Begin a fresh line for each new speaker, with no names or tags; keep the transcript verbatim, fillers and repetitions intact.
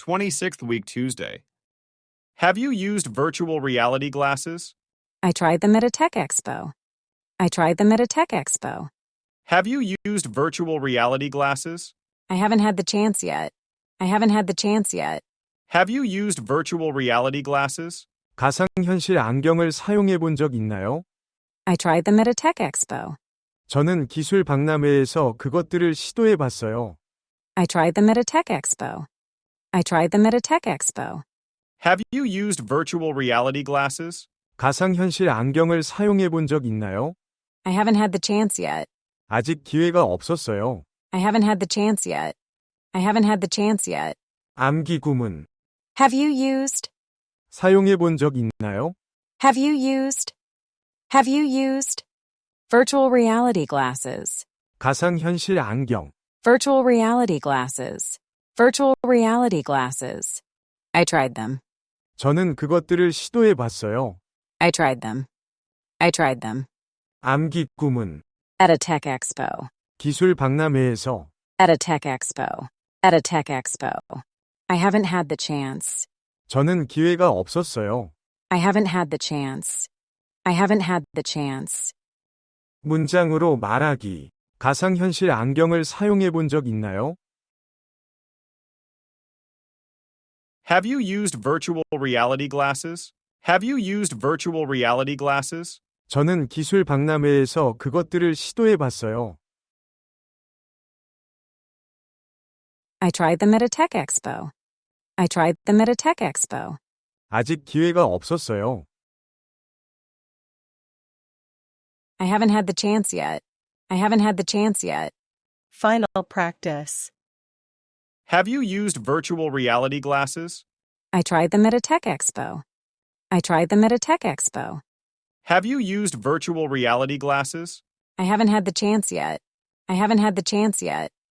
twenty-sixth week Tuesday. Have you used virtual reality glasses?
I tried them at a tech expo. I tried them at a tech expo.
Have you used virtual reality glasses?
I haven't had the chance yet. I haven't had the chance yet.
Have you used virtual reality glasses?
가상현실 안경을 사용해 본 적 있나요?
I tried them at a tech expo.
저는 기술 박람회에서 그것들을 시도해 봤어요.
I tried them at a tech expo. I tried them at a tech expo.
Have you used virtual reality glasses?
가상현실 안경을 사용해 본 적 있나요?
I haven't had the chance yet.
아직 기회가 없었어요.
I haven't had the chance yet. I haven't had the chance yet.
암기 구문.
Have you used?
사용해 본 적 있나요?
Have you used? Have you used? Virtual reality glasses.
가상현실 안경.
Virtual reality glasses. Virtual reality glasses. I tried them.
저는 그것들을 시도해 봤어요.
I tried them. I tried them.
암기 구문.
At a tech expo.
기술 박람회에서.
At a tech expo. At a tech expo. I haven't had the chance.
저는 기회가 없었어요.
I haven't had the chance. I haven't had the chance.
문장으로 말하기. 가상현실 안경을 사용해 본 적 있나요?
Have you used virtual reality glasses? Have you used virtual reality glasses?
저는 기술 박람회에서 그것들을 시도해 봤어요.
I tried them at a tech expo. I tried them at a tech expo.
아직 기회가 없었어요.
I haven't had the chance yet. I haven't had the chance yet.
Final practice.
Have you used virtual reality glasses?
I tried them at a tech expo. I tried them at a tech expo.
Have you used virtual reality glasses?
I haven't had the chance yet. I haven't had the chance yet.